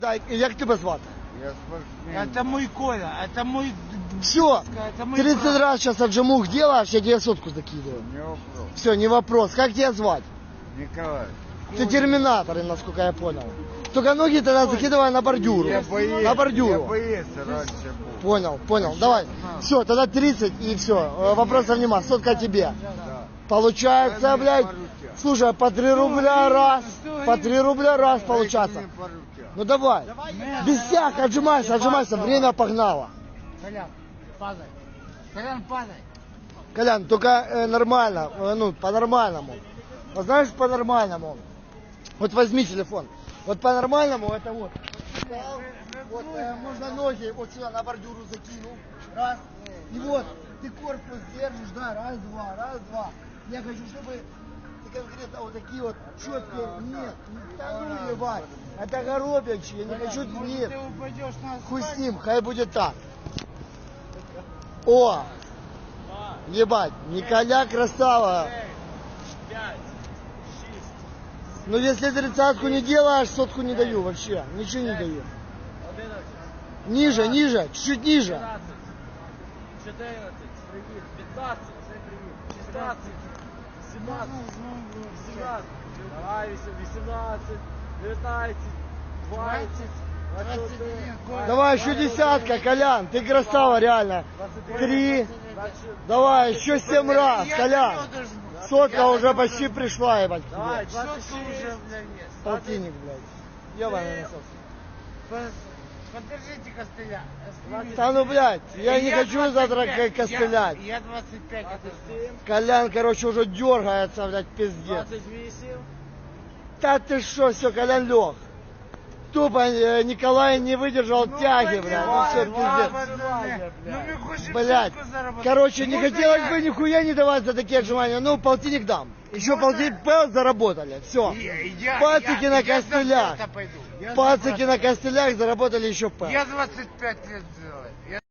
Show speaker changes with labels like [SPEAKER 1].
[SPEAKER 1] Як тебе звати?
[SPEAKER 2] Я спортсмен.
[SPEAKER 3] Это мой Коля, это мой...
[SPEAKER 1] Все,
[SPEAKER 3] Это мой
[SPEAKER 1] 30
[SPEAKER 3] брат.
[SPEAKER 1] раз сейчас отжимух делаешь, я тебе сотку закидываю.
[SPEAKER 2] Не вопрос.
[SPEAKER 1] Все, не вопрос. Как тебя звать?
[SPEAKER 2] Николай.
[SPEAKER 1] Ты терминатор, насколько я понял. Только ноги тогда закидывай на бордюру.
[SPEAKER 2] Я боец.
[SPEAKER 1] На бордюру.
[SPEAKER 2] Я боец раньше был.
[SPEAKER 1] Понял. Давай. Все, тогда 30 и все. Вопросов нема. Сотка тебе.
[SPEAKER 2] Да.
[SPEAKER 1] Получается,
[SPEAKER 2] Дай мне
[SPEAKER 1] блядь.
[SPEAKER 2] по руке.
[SPEAKER 1] Слушай, по 3 рубля раз.
[SPEAKER 3] стой.
[SPEAKER 1] По 3 рубля раз
[SPEAKER 2] Дайте
[SPEAKER 1] получается.
[SPEAKER 2] мне по руке.
[SPEAKER 1] Ну давай. Без всяк, отжимайся. Время погнало.
[SPEAKER 3] Колян, падай. Колян, падай.
[SPEAKER 1] Колян, только нормально, ну, по-нормальному. Вот знаешь, по-нормальному. Вот возьми телефон. Вот по-нормальному это вот. Встал, вот можно ноги вот сюда на бордюру закинул. Раз. И вот ты корпус держишь, да, раз, два. Я хочу, чтобы ты конкретно вот такие вот четкие. Нет, да ну ебать. Это горобячие, я не хочу, нет.
[SPEAKER 3] Ты упадешь на асфальт.
[SPEAKER 1] Хуй с ним, хай будет так. О! Ебать, Николя красава.
[SPEAKER 4] 5, 6,
[SPEAKER 1] Ну если 30-ку не делаешь, сотку не даю вообще. Ничего не даю.
[SPEAKER 4] 11,
[SPEAKER 1] Ниже, чуть-чуть ниже.
[SPEAKER 4] 12, 14, 15, 16, 17, 18, давай, 18, 19, 20, 21,
[SPEAKER 1] Давай еще десятка, Колян, ты красава реально. 3, давай, еще 7 раз, Колян. Сотка уже почти пришла, ебать. к тебе.
[SPEAKER 4] давай,
[SPEAKER 3] Сотка
[SPEAKER 4] 26,
[SPEAKER 3] уже, блядь, нет.
[SPEAKER 1] Полтинник, блядь. Ебаный насос.
[SPEAKER 3] Подержите костыля.
[SPEAKER 1] Да ну, блядь, я не хочу завтра костылять.
[SPEAKER 3] Я 25 отожму.
[SPEAKER 4] 27,
[SPEAKER 1] Колян, короче, уже дергается, блядь, пиздец.
[SPEAKER 4] 28,
[SPEAKER 1] Да ты что, все, Колян лег. Тупо Николай не выдержал тяги, блядь. Ну все, пиздец.
[SPEAKER 3] Ну мы хотим
[SPEAKER 1] Блядь.
[SPEAKER 3] сотку заработать.
[SPEAKER 1] Короче, не
[SPEAKER 3] Можно
[SPEAKER 1] хотелось
[SPEAKER 3] я-
[SPEAKER 1] бы нихуя не давать за такие отжимания. Ну, полтинник дам. Еще полтинник заработали. Все. Пацики на костылях.
[SPEAKER 3] Я за это пойду.
[SPEAKER 1] Пацики на костылях заработали еще П.
[SPEAKER 3] Я 25 лет сделаю.